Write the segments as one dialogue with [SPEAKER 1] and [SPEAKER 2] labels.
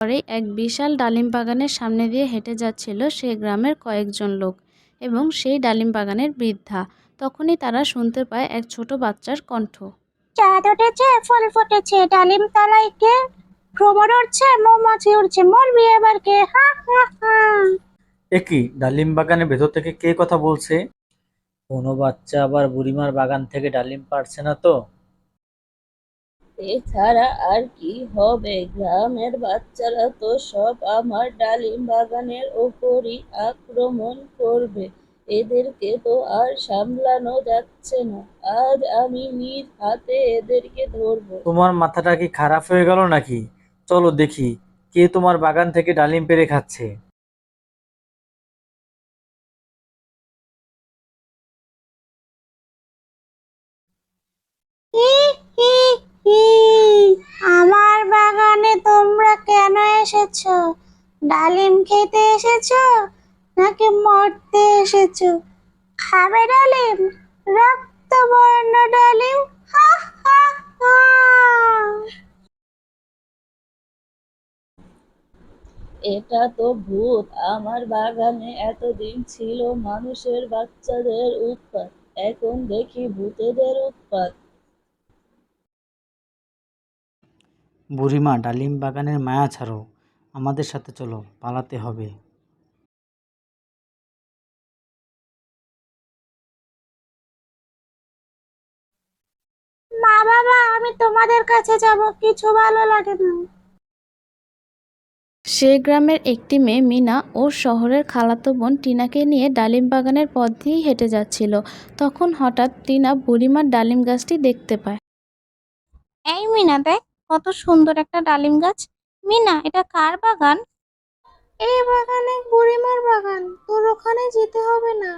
[SPEAKER 1] পরে এক বিশাল ডালিম বাগানের সামনে দিয়ে হেঁটে যাচ্ছিল সে গ্রামের কয়েকজন লোক এবং সেই ডালিম বাগানের বৃদ্ধা। তখনই তারা শুনতে পায় এক ছোট বাচ্চার কণ্ঠ।
[SPEAKER 2] চাঁদ উঠেছে, ফুল ফুটেছে, ডালিম তলায় কে? ভ্রমর উড়ছে, মৌমাছি উড়ছে, মরবি এবার কে? হা হা হা।
[SPEAKER 3] এ কি, ডালিম বাগানের ভেতর থেকে কে কথা বলছে? কোনো বাচ্চা আবার বুড়িমার বাগান থেকে ডালিম পাড়ছে না তো?
[SPEAKER 4] এছাড়া আর কি হবে? গ্রামের বাচ্চারা তো সব আমার ডালিম বাগানের ওপরই আক্রমণ করবে। এদেরকে তো আর সামলানো যাচ্ছে না। আজ আমি নিজ হাতে এদেরকে ধরবো।
[SPEAKER 3] তোমার মাথাটা কি খারাপ হয়ে গেল নাকি? চলো দেখি কে তোমার বাগান থেকে ডালিম পেড়ে খাচ্ছে।
[SPEAKER 2] হি হি হি। আমার বাগানে তোমরা কেন এসেছো? ডালিম খেতে এসেছো নাকি মরতে এসেছো? খাবে ডালিম, রক্তবর্ণ ডালিম। হা হা হা।
[SPEAKER 4] এটা তো ভূত। আমার বাগানে এতদিন ছিল মানুষের বাচ্চাদের উৎপাত, এখন দেখি ভূতেদের উৎপাত।
[SPEAKER 3] বুড়িমা, ডালিম বাগানের মায়া ছাড়ো, আমাদের সাথে চলো, পালাতে হবে।
[SPEAKER 2] মা বাবা, আমি তোমাদের কাছে যাব, কিছু ভালো লাগে না।
[SPEAKER 1] সে গ্রামের একটি মেয়ে মিনা ওর শহরের খালাতো বোন টিনাকে নিয়ে ডালিম বাগানের পথ দিয়েই হেঁটে যাচ্ছিল। তখন হঠাৎ টিনা বুড়িমার ডালিম গাছটি দেখতে পায়।
[SPEAKER 2] এই মিনা, দেখ কত সুন্দর একটা ডালিম গাছ। মিনা, এটা কার বাগান? এই বাগানে বুড়িমার বাগান, তোর ওখানে যেতে হবে না।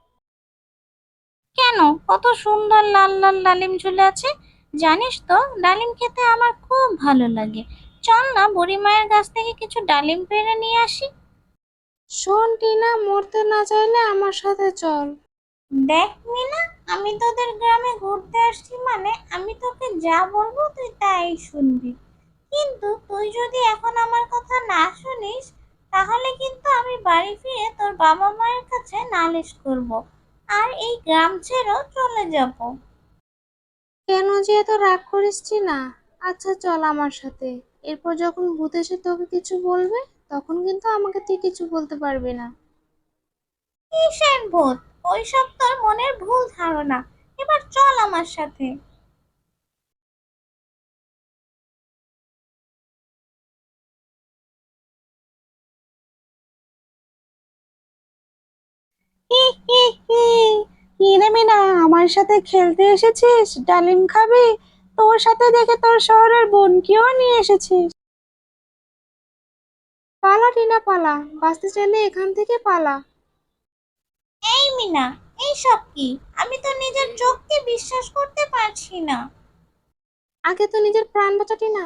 [SPEAKER 2] কেন? কত সুন্দর লাল লাল ডালিম ঝুলে আছে। জানিস তো, ডালিম খেতে আমার খুব ভালো লাগে। চল না বুড়িমায়ের গাছ থেকে কিছু ডালিম পেড়ে নিয়ে আসি। শোন টিনা, মরতে না চাইলে আমার সাথে চল। দেখ মিনা, আমি তোদের গ্রামে ঘুরতে আসছি মানে আমি তোকে যা বলবো তুই তাই শুনবি। কিন্তু তুই যদি এখন আমার কথা না শুনিস, তাহলে কিন্তু আমি বাড়ি ফিরে তোর বাবা মায়ের কাছে নালিশ করব আর এই গ্রাম ছেড়েও চলে যাব। কেন যে এত রাগ করিস না? আচ্ছা চল আমার সাথে। এরপর যখন ভূত এসে তোকে কিছু বলবে, তখন কিন্তু আমাকে তুই কিছু বলতে পারবি না। কিসের ভূত? ওইসব তোর মনের ভুল ধারণা। এবার চল আমার সাথে। হি হি হি। কি রে মিনা, আমার সাথে খেলতে এসেছিস? ডালিম খাবি? তোর সাথে দেখে তোর শহরের বোনকেও নিয়ে এসেছিস। পালা টিনা পালা, বাঁচতে চাইলে এখান থেকে পালা। এই মিনা, এইসব কি? আমি তো নিজের চোখকে বিশ্বাস করতে পারছি না। আগে তো নিজের প্রাণ বাঁচা টিনা।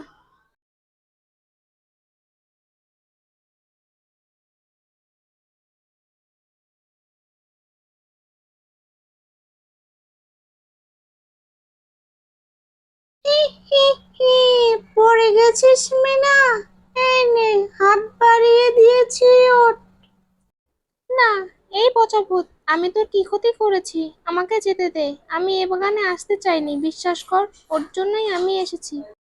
[SPEAKER 2] হি হি হি। পড়ে গেছিস মিনা? এই নে, হাত বাড়িয়ে দিয়েছি, ওঠ। না, এই পচা ভূত, আমি তোর কি ক্ষতি করেছি? আমাকে যেতে দে। আমি এ বাগানে আসতে চাইনি, বিশ্বাস কর। ওর জন্যই আমি এসেছি।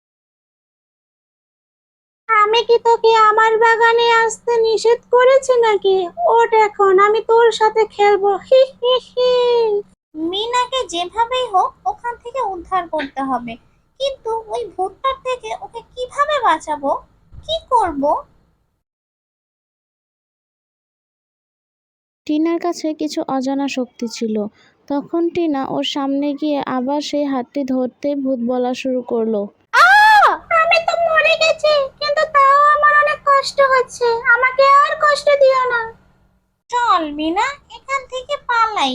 [SPEAKER 2] আমি কি তোকে আমার বাগানে আসতে নিষেধ করেছি নাকি? ওঠ এখন, আমি তোর সাথে খেলবো। হি হি হি। মিনাকে যেভাবেই হোক ওখান থেকে উদ্ধার করতে হবে, কিন্তু ওই ভূতটার থেকে ওকে কিভাবে বাঁচাবো? কি করব?
[SPEAKER 1] টিনার কাছে কিছু অজানা শক্তি ছিল। তখন টিনা ওর সামনে গিয়ে আবার সেই হাতটি ধরতেই ভূত বলা শুরু করলো।
[SPEAKER 2] আমি তো মরে গেছি, কিন্তু তাও আমার অনেক কষ্ট হচ্ছে। আমাকে আর কষ্ট দিও না। চল মিনা, এখান থেকে পালাই।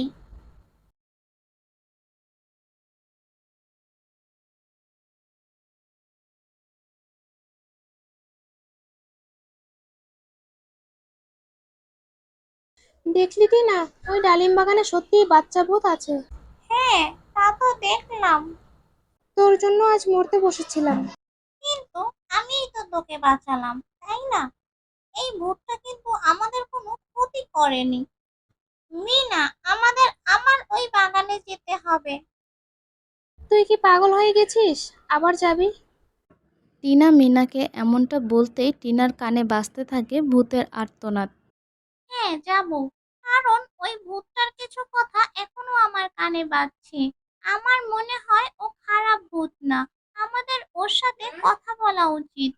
[SPEAKER 2] দেখলি কি না, ওই ডালিম বাগানে সত্যিই বাচ্চা ভূত আছে। হ্যাঁ, তা তো দেখলাম। তোর জন্য আজ মরতে বসেছিলাম, কিন্তু আমিই তো তোকে বাঁচালাম। তাই না? এই ভূতটা কিন্তু আমাদের কোনো ক্ষতি করেনি। মিনা, আমার ওই বাগানে যেতে হবে।
[SPEAKER 5] তুই কি পাগল হয়ে গেছিস? আবার যাবি?
[SPEAKER 1] টিনা মিনাকে এমনটা বলতেই টিনার কানে বাজতে থাকে ভূতের আর্তনাদ।
[SPEAKER 2] হ্যাঁ, যাব। কারণ ওই ভূতটার কিছু কথা এখনো আমার কানে বাজছে। আমার মনে হয় ও খারাপ ভূত না। আমাদের ওর সাথে কথা বলা উচিত।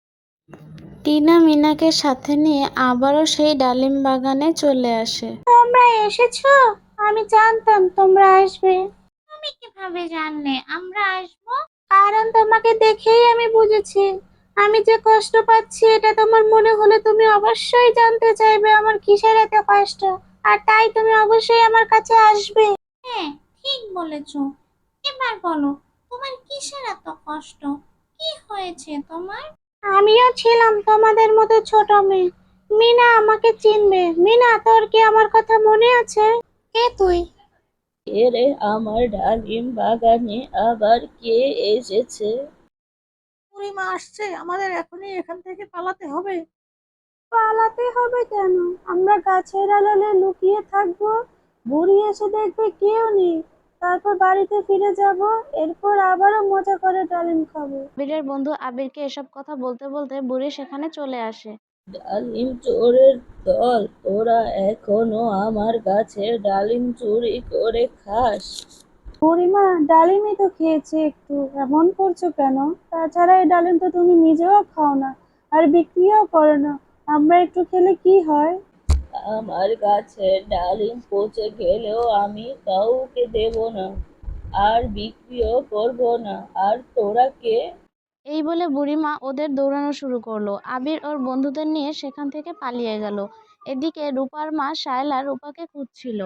[SPEAKER 1] টিনা মিনাকে সাথে নিয়ে আবারও সেই ডালিম বাগানে চলে আসে।
[SPEAKER 2] তোমরা এসেছো? আমি জানতাম তোমরা আসবে। তুমি কিভাবে জানলে আমরা আসবো? কারণ তোমাকে দেখেই আমি বুঝেছি। আমি যে কষ্ট পাচ্ছি এটা তোমার মনে হলে তুমি অবশ্যই জানতে চাইবে আমার কিসের এত কষ্ট। আর তাই তুমি অবশ্যই আমার কাছে আসবে। হ্যাঁ, ঠিক বলেছো। এবার বলো, তোমার কিসের এত কষ্ট? কি হয়েছে তোমার? আমিও ছিলাম তোমাদের মতো ছোট মেয়ে। মিনা আমাকে চিনবে। মিনা, তোর কি আমার কথা মনে আছে? কে তুই?
[SPEAKER 4] কে রে, আমার ডালিম বাগানে আবার কে এসেছে?
[SPEAKER 6] বুড়িমা আসছে, আমাদের এখনই এখান থেকে পালাতে হবে।
[SPEAKER 2] পালাতে হবে কেন? আমরা গাছের আড়ালে লুকিয়ে থাকবো। বুড়ি এসে দেখবে কেউ নেই। তারপর বাড়িতে ফিরে যাব। এরপর আবারও মজা করে ডালিম খাবো।
[SPEAKER 1] আবিরের বন্ধু আবিরকে এসব কথা বলতে বলতে বুড়ি সেখানে চলে আসে।
[SPEAKER 4] ডালিম চোরের দল, তোরা এখনো আমার গাছের ডালিম চুরি করে খাস?
[SPEAKER 2] বুড়িমা, ডালিমই তো খেয়েছি একটু, এমন করছো কেন? তাছাড়া এই ডালিম তো তুমি নিজেও খাও না, আর বিক্রিও করো না। আমরা একটু খেলে কি হয়?
[SPEAKER 4] আমার গাছের ডালিম পচে গেলেও আমি কাউকে দেব না, আর বিক্রিও করব না। আর তোরা কে?
[SPEAKER 1] এই বলে বুড়িমা ওদের দৌড়ানো শুরু করলো। আবির ওর বন্ধুদের নিয়ে সেখান থেকে পালিয়ে গেল। এদিকে রূপার মা শায়লা রূপাকে খুঁজছিল।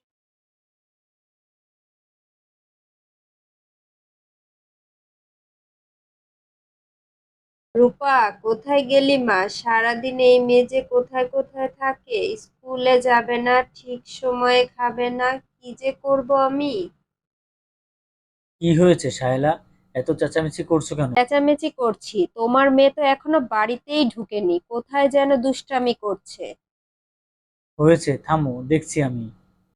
[SPEAKER 7] রূপা, কোথায় গেলি মা? সারাদিন এই মেয়ে কোথায় কোথায় থাকে, স্কুলে যাবে না, ঠিক সময়ে খাবে না, কি যে করব আমি।
[SPEAKER 3] কি হয়েছে শায়লা? এত চেঁচামেচি করছো কেন?
[SPEAKER 7] চেঁচামেচি করছি, তোমার মেয়ে তো এখনো বাড়িতেই ঢুকেনি, কোথায় যেন দুষ্টামি করছে।
[SPEAKER 3] হয়েছে, থামো, দেখছি আমি।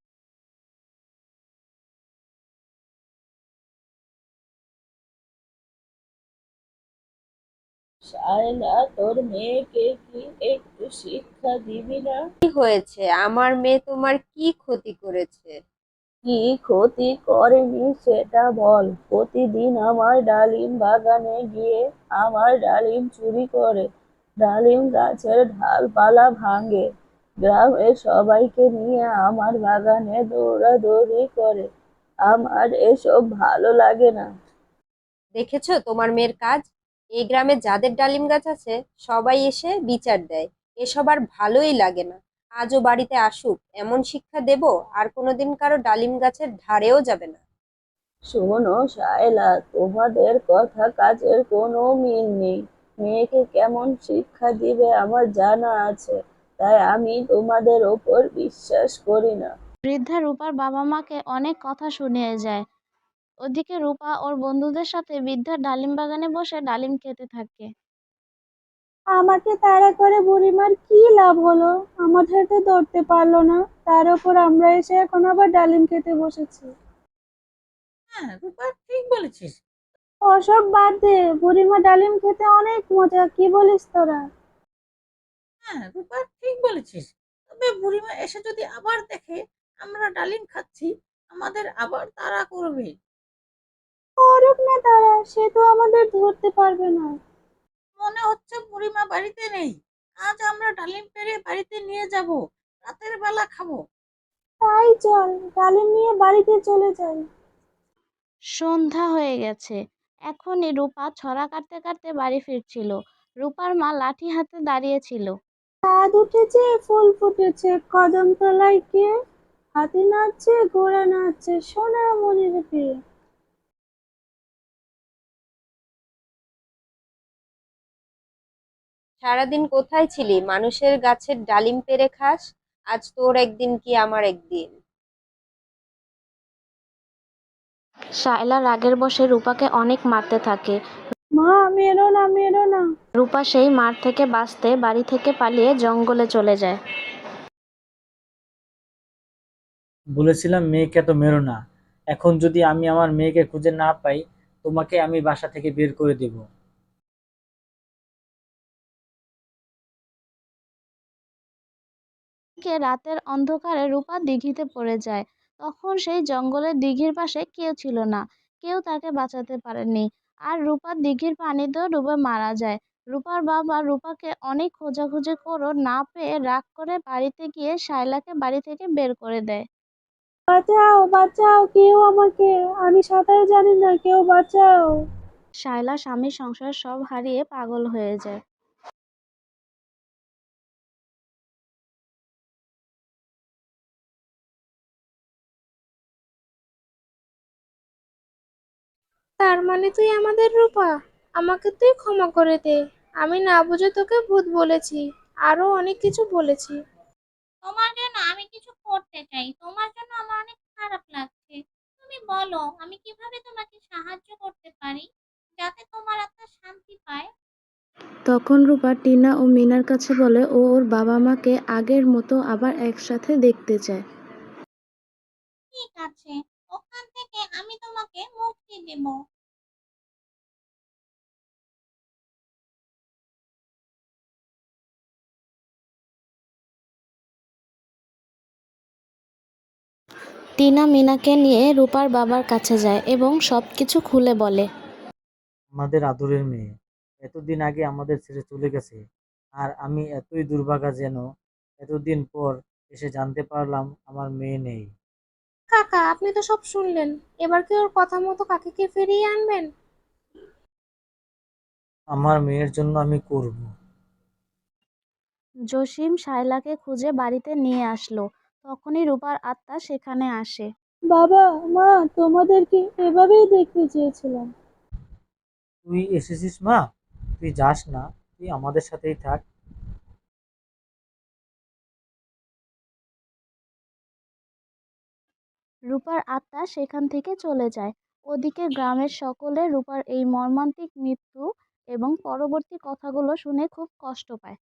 [SPEAKER 4] শায়লা, তোর মেয়েকে কি একটু শিক্ষা দিবি না?
[SPEAKER 7] কি হয়েছে? আমার মেয়ে তোমার কি ক্ষতি করেছে?
[SPEAKER 4] কি ক্ষতি করেনি সেটা বল। প্রতিদিন আমার ডালিম বাগানে গিয়ে আমার ডালিম চুরি করে, ডালিম গাছের ডালপালা ভাঙে, গ্রামের সবাইকে নিয়ে আমার বাগানে দৌড়াদৌড়ি করে। আমার এসব ভালো লাগে না।
[SPEAKER 7] দেখেছো তোমার মেয়ের কাজ? এই গ্রামে যাদের ডালিম গাছ আছে সবাই এসে বিচার দেয়। এসব আর ভালোই লাগে না। আজও বাড়িতে আসুক, এমন শিক্ষা দেব আর কোনোদিন কারো ডালিম গাছের ধারেও যাবে না।
[SPEAKER 4] শোনো শায়লা, তোমাদের কথা কাজের কোনো মিল নেই। মেয়েকে কেমন শিক্ষা দিবে আমার জানা আছে, তাই আমি তোমাদের ওপর বিশ্বাস করি না।
[SPEAKER 1] বৃদ্ধা রূপার বাবা মাকে অনেক কথা শুনিয়ে যায়। ওদিকে রূপা ওর বন্ধুদের সাথে বৃদ্ধার ডালিম বাগানে বসে ডালিম খেতে থাকে।
[SPEAKER 2] আমাকে তাড়া করে বুড়িমার কি লাভ হলো? আমাদের তো ধরতে পারলো না। তার উপর আমরা এসে এখন আবার ডালিম খেতে বসেছি।
[SPEAKER 6] হ্যাঁ রূপা, ঠিক বলেছিস।
[SPEAKER 2] ওসব বাদ দে, বুড়িমা ডালিম খেতে অনেক মজা, কি বলিস তোরা?
[SPEAKER 6] হ্যাঁ রূপা, ঠিক বলেছিস। তবে বুড়িমা এসে যদি আবার দেখে আমরা ডালিম খাচ্ছি, আমাদের আবার তাড়া করবে।
[SPEAKER 2] করুক না তারা, সে তো আমাদের ধরতে পারবে না।
[SPEAKER 6] মনে হচ্ছে বুড়িমা বাড়িতে নেই। আজ আমরা ডালিম পেড়ে বাড়িতে নিয়ে যাব, রাতের বেলা খাবো।
[SPEAKER 2] তাই চল, ডালিম নিয়ে বাড়িতে চলে যাই।
[SPEAKER 1] সন্ধ্যা হয়ে গেছে। এখনই রূপা ছড়া কাটতে কাটতে বাড়ি ফিরছিল। রূপার মা লাঠি হাতে দাঁড়িয়েছিল।
[SPEAKER 2] চাঁদ উঠেছে, ফুল ফুটেছে, কদম তলায় কে? হাতি নাচছে, ঘোড়া নাচছে, সোনা মনের বিয়ে।
[SPEAKER 7] সারাদিন কোথায় ছিলি? মানুষের গাছের ডালিম পেড়ে খাস। আজ তোর একদিন কি আমার একদিন।
[SPEAKER 1] শায়লা রাগের বশে রূপাকে অনেক মারতে থাকে।
[SPEAKER 5] মা, মেরো না।
[SPEAKER 1] রূপা সেই মার থেকে বাঁচতে বাড়ি থেকে পালিয়ে জঙ্গলে চলে যায়।
[SPEAKER 3] বলেছিলাম মেয়েকে এত মেরো না। এখন যদি আমি আমার মেয়েকে খুঁজে না পাই, তোমাকে আমি বাসা থেকে বের করে দেব।
[SPEAKER 1] রাতের অন্ধকারে রূপা দিঘিতে পড়ে যায়। তখন সেই জঙ্গলের দিঘির পাশে কেউ ছিল না, কেউ তাকে বাঁচাতে পারেনি। আর রূপা দিঘির পানিতেও ডুবে মারা যায়। রূপার বাবা রূপাকে অনেক খোঁজাখুঁজি করো না পেয়ে রাগ করে বাড়িতে গিয়ে শায়লাকে বাড়ি থেকে বের করে দেয়।
[SPEAKER 5] বাঁচাও, বাঁচাও, কেউ আমাকে। আমি সাঁতার জানি না, কেউ বাঁচাও।
[SPEAKER 1] শায়লা স্বামী সংসার সব হারিয়ে পাগল হয়ে যায়।
[SPEAKER 5] তার মানে তুই আমাদের রূপা? আমাকে তুই ক্ষমা করে দে। আমি না বুঝে তোকে ভূত বলেছি, আরো অনেক কিছু বলেছি।
[SPEAKER 2] তোমার জন্য আমি কিছু করতে চাই, তোমার জন্য আমার অনেক খারাপ লাগছে। তুমি বলো আমি কিভাবে তোমাকে সাহায্য করতে পারি যাতে তোমার আত্মা শান্তি পায়।
[SPEAKER 1] তখন রূপা টিনা ও মিনার কাছে বলে ও ওর বাবা মাকে আগের মতো আবার একসাথে দেখতে চায়।
[SPEAKER 2] ঠিক আছে, ওখান থেকে আমি তোমাকে মুক্তি দেব।
[SPEAKER 1] টিনা মিনাকে নিয়ে রূপার বাবার কাছে যায় এবং সবকিছু খুলে বলে।
[SPEAKER 3] আমাদের আদরের মেয়ে এতদিন আগে আমাদের ছেড়ে চলে গেছে, আর আমি এতই দুর্ভাগা যেন এতদিন পর এসে জানতে পারলাম আমার মেয়ে নেই।
[SPEAKER 5] কাকা, আপনি তো সব শুনলেন। এবার কি ওর কথা মতো কাকিকে ফিরিয়ে আনবেন?
[SPEAKER 3] আমার মেয়ের জন্য আমি করব।
[SPEAKER 1] জসিম শায়লাকে খুঁজে বাড়িতে নিয়ে আসলো। তখনই রূপার আত্মা সেখানে আসে।
[SPEAKER 5] বাবা, মা, তোমাদেরকে এভাবেই দেখতে চেয়েছিলাম।
[SPEAKER 3] তুই এসেছিস মা? তুই যাস না, তুই আমাদের সাথেই থাক।
[SPEAKER 1] রূপার আত্মা সেখান থেকে চলে যায়। ওদিকে গ্রামের সকলে রূপার এই মর্মান্তিক মৃত্যু এবং পরবর্তী কথাগুলো শুনে খুব কষ্ট পায়।